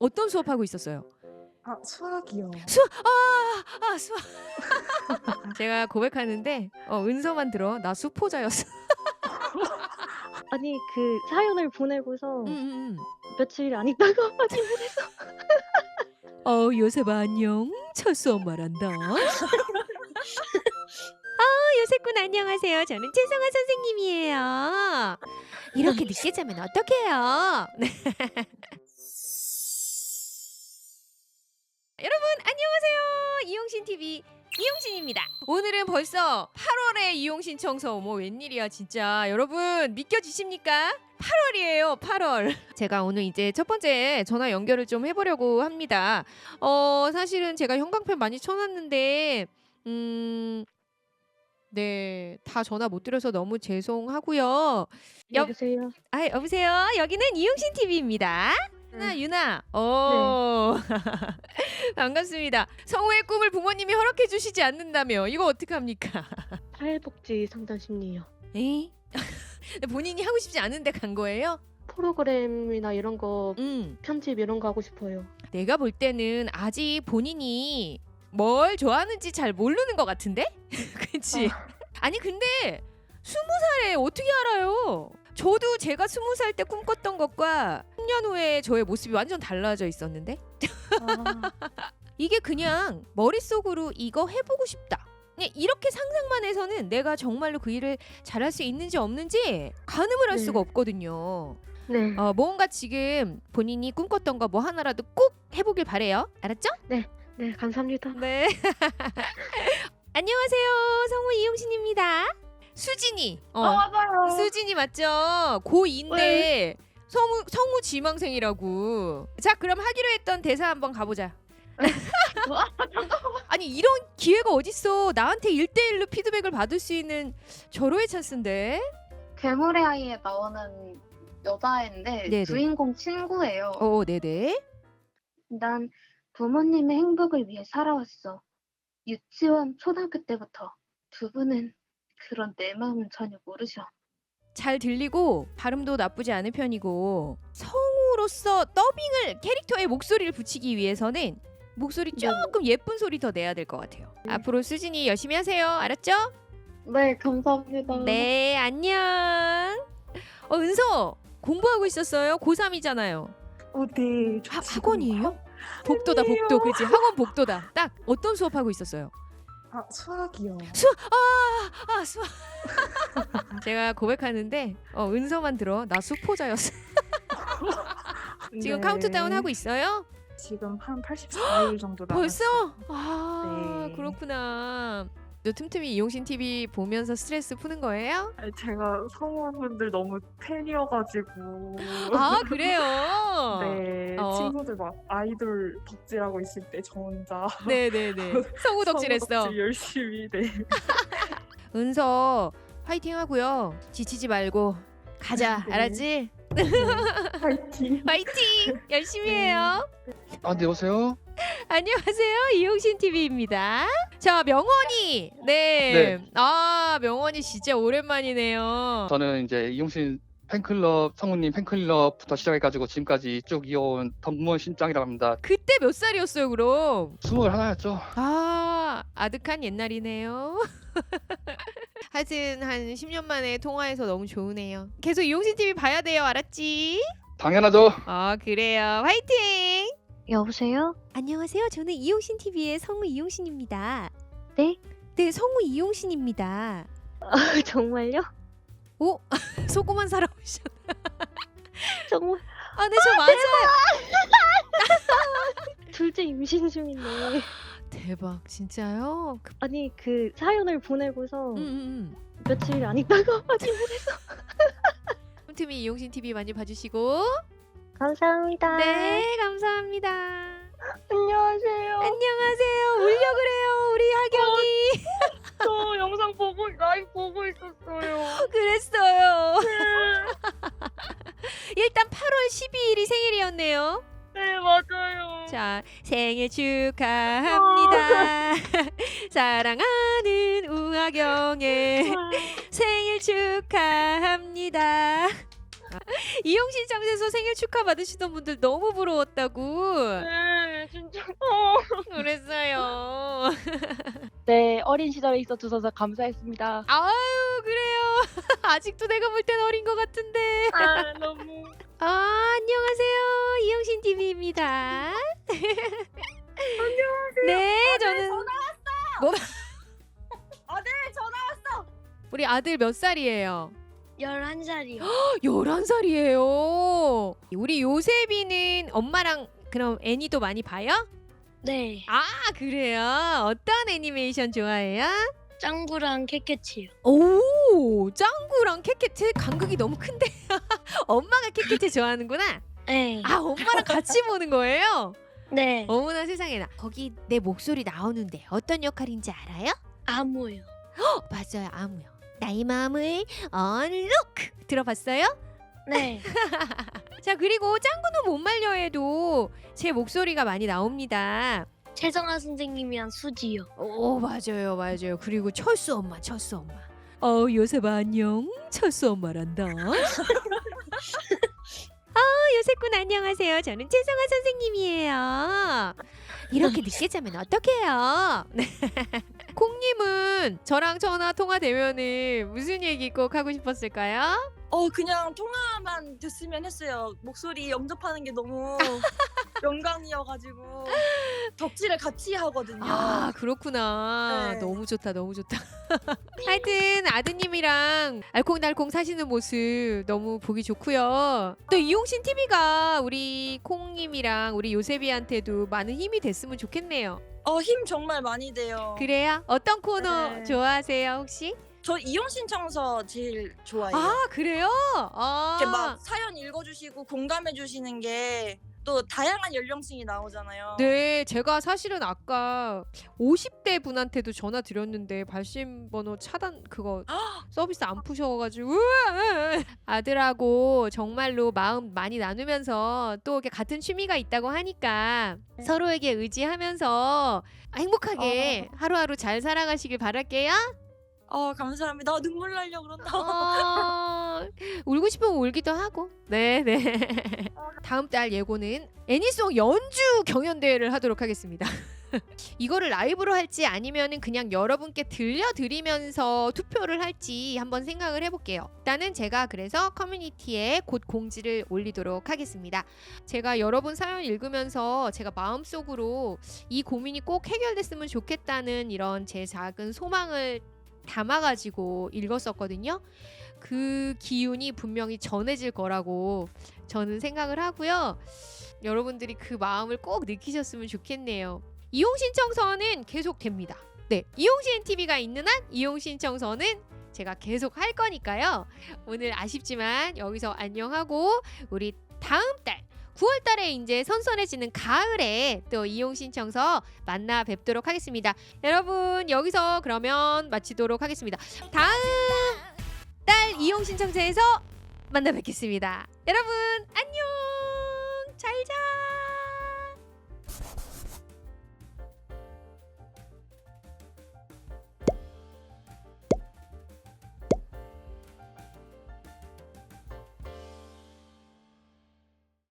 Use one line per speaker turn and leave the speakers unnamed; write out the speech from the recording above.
어떤 수업하고 있었어요?
아, 수학이요.
수학! 수학. 제가 고백하는데 은서만 들어. 나 수포자였어.
아니 그 사연을 보내고서
음음음.
며칠 안 있다가 확인을 해서
요셉아 안녕. 첫 수업 말한다. 요셉군 안녕하세요. 저는 최성아 선생님이에요. 이렇게 늦게 자면 어떡해요? 네. 여러분 안녕하세요. 이용신 TV 이용신입니다. 오늘은 벌써 8월에 이용신 청소. 뭐 웬일이야 진짜. 여러분 믿겨지십니까? 8월이에요. 8월. 제가 오늘 이제 첫 번째 전화 연결을 좀 해보려고 합니다. 사실은 제가 형광펜 많이 쳐놨는데 네, 다 전화 못 드려서 너무 죄송하고요.
여보세요.
여보세요. 여기는 이용신 TV입니다. 유나.
네.
반갑습니다. 성우의 꿈을 부모님이 허락해 주시지 않는다며. 이거 어떡합니까?
사회복지 상담 심리요.
에이? 본인이 하고 싶지 않은데 간 거예요?
프로그램이나 이런 거
음.
편집 이런 거 하고 싶어요.
내가 볼 때는 아직 본인이 뭘 좋아하는지 잘 모르는 것 같은데? 그치? 아니 근데 20살에 어떻게 알아요? 저도 제가 20살 때 꿈꿨던 것과 10년 후에 저의 모습이 완전 달라져 있었는데? 이게 그냥 머릿속으로 이거 해보고 싶다. 그냥 이렇게 상상만 해서는 내가 정말로 그 일을 잘할 수 있는지 없는지 가늠을 할
네.
수가 없거든요.
네.
뭔가 지금 본인이 꿈꿨던 거 뭐 하나라도 꼭 해보길 바래요. 알았죠?
네, 감사합니다.
네. 안녕하세요. 성우 이용신입니다. 수진이.
맞아요.
수진이 맞죠? 고2인데 성우 지망생이라고. 자, 그럼 하기로 했던 대사 한번 가보자. 아니 이런 기회가 어딨어. 나한테 1대1로 피드백을 받을 수 있는 절호의 찬스인데.
괴물의 아이에 나오는 여자애인데
네네.
주인공 친구예요.
네네.
난 부모님의 행복을 위해 살아왔어. 유치원, 초등학교 때부터. 두 분은 그런 내 마음은 전혀 모르셔.
잘 들리고 발음도 나쁘지 않은 편이고 성우로서 더빙을 캐릭터의 목소리를 붙이기 위해서는 목소리 조금 예쁜 소리 더 내야 될 것 같아요. 앞으로 수진이 열심히 하세요. 알았죠?
네, 감사합니다.
네, 안녕. 은서 공부하고 있었어요? 고3이잖아요.
네.
학원이에요? 복도다 복도. 그치? 학원 복도다. 딱 어떤 수업하고 있었어요?
아, 수학이요.
수학. 제가 고백하는데 은서만 들어. 나 수포자였어. 지금
네.
카운트다운 하고 있어요?
지금 한 84일 정도
벌써?
남았어요. 네.
그렇구나. 너 틈틈이 이용신 TV 보면서 스트레스 푸는 거예요?
아니, 제가 성우분들 너무 팬이어가지고.
그래요?
네, 친구들 막 아이돌 덕질하고 있을 때 저 혼자
네네네. 성우 덕질했어.
성우 덕질 열심히. 네.
은서 화이팅 하고요. 지치지 말고 가자.
네.
알았지?
파이팅.
화이팅! 열심히 해요.
네, 여보세요?
안녕하세요. 이용신 TV입니다. 자, 명원이. 네.
네.
명원이 진짜 오랜만이네요.
저는 이제 이용신 팬클럽, 성우님 팬클럽부터 시작해가지고 지금까지 쭉 이어온 덕무원 신짱이라고 합니다.
그때 몇 살이었어요, 그럼?
21였죠?
아득한 옛날이네요. 하여튼 한 10년 만에 통화해서 너무 좋으네요. 계속 이용신 TV 봐야 돼요. 알았지?
당연하죠.
그래요. 화이팅!
여보세요?
안녕하세요. 저는 이용신 TV의 성우 이용신입니다.
네?
네, 성우 이용신입니다.
정말요?
오, 소고만 살아오셨.
정말
네, 저 맞아요.
둘째 임신 중인데.
대박, 진짜요?
아니 그 사연을 보내고서
음.
며칠 안 있다가 확인을 해서
틈틈이 이용신 TV 많이 봐주시고.
감사합니다.
네, 감사합니다.
안녕하세요.
안녕하세요. 울려 그래요, 우리 하경이.
저 영상 라이브 보고 있었어요.
그랬어요. 일단 8월 12일이 생일이었네요.
네, 맞아요.
자, 생일 축하합니다. 사랑하는 우하경의 생일 축하합니다. 이용신 장에서 생일 축하 받으시던 분들 너무 부러웠다고.
네, 어린 시절에 있어 주셔서 감사했습니다.
아유 그래요. 아직도 내가 볼 땐 어린 것 같은데.
아, 너무.
안녕하세요. 이영신 TV입니다. 안녕하세요. 네, 저는
아들 전화 왔어.
우리 아들 몇 살이에요?
11살이요.
11살이에요. 우리 요셉이는 엄마랑 그럼 애니도 많이 봐요?
네.
아, 그래요? 어떤 애니메이션 좋아해요?
짱구랑 캐캐치요.
오, 짱구랑 캐캐트 간극이 너무 큰데. 엄마가 캐캐트 좋아하는구나.
네.
아, 엄마랑 같이 보는 거예요?
네.
어머나 세상에나. 거기 내 목소리 나오는데 어떤 역할인지 알아요?
아무요.
맞아요, 아무요. 나의 마음을 언록 들어봤어요?
네.
자, 그리고 짱구는 못 말려해도 제 목소리가 많이 나옵니다.
최정아 선생님이랑 수지요.
오, 맞아요, 맞아요. 그리고 철수 엄마, 철수 엄마. 요셉아 안녕. 철수 엄마란다. 요셉군 안녕하세요. 저는 최정아 선생님이에요. 이렇게 늦게 자면 어떡해요? 콩님은 저랑 전화 통화되면은 무슨 얘기 꼭 하고 싶었을까요?
그냥 통화만 됐으면 했어요. 목소리 영접하는 게 너무 영광이어가지고 덕질을 같이 하거든요.
아, 그렇구나.
네.
너무 좋다, 너무 좋다. 하여튼 아드님이랑 알콩달콩 사시는 모습 너무 보기 좋고요. 또 이용신 TV가 우리 콩님이랑 우리 요셉이한테도 많은 힘이 됐으면 좋겠네요.
힘 정말 많이 돼요.
그래요? 어떤 코너
네.
좋아하세요, 혹시?
저 이용신청서 제일 좋아해요.
아, 그래요?
이렇게 막 사연 읽어주시고 공감해주시는 게 또 다양한 연령층이 나오잖아요.
네, 제가 사실은 아까 50대 분한테도 전화 드렸는데 발신 번호 차단 그거 서비스 안 푸셔가지고 아들하고 정말로 마음 많이 나누면서 또 이렇게 같은 취미가 있다고 하니까 서로에게 의지하면서 행복하게 하루하루 잘 살아가시길 바랄게요.
감사합니다. 눈물 나려 그런다.
울고 싶으면 울기도 하고. 네. 다음 달 예고는 애니송 연주 경연대회를 하도록 하겠습니다. 이거를 라이브로 할지 아니면은 그냥 여러분께 들려드리면서 투표를 할지 한번 생각을 해볼게요. 일단은 제가 그래서 커뮤니티에 곧 공지를 올리도록 하겠습니다. 제가 여러분 사연 읽으면서 제가 마음속으로 이 고민이 꼭 해결됐으면 좋겠다는 이런 제 작은 소망을 담아가지고 읽었었거든요. 그 기운이 분명히 전해질 거라고 저는 생각을 하고요. 여러분들이 그 마음을 꼭 느끼셨으면 좋겠네요. 이용신청서는 계속 됩니다. 네, 이용신 TV가 있는 한 이용신청서는 제가 계속 할 거니까요. 오늘 아쉽지만 여기서 안녕하고 우리 다음 달 9월 달에 이제 선선해지는 가을에 또 이용신청서 만나 뵙도록 하겠습니다. 여러분 여기서 그러면 마치도록 하겠습니다. 다음 달 이용신청서에서 만나 뵙겠습니다. 여러분 안녕. 잘 자.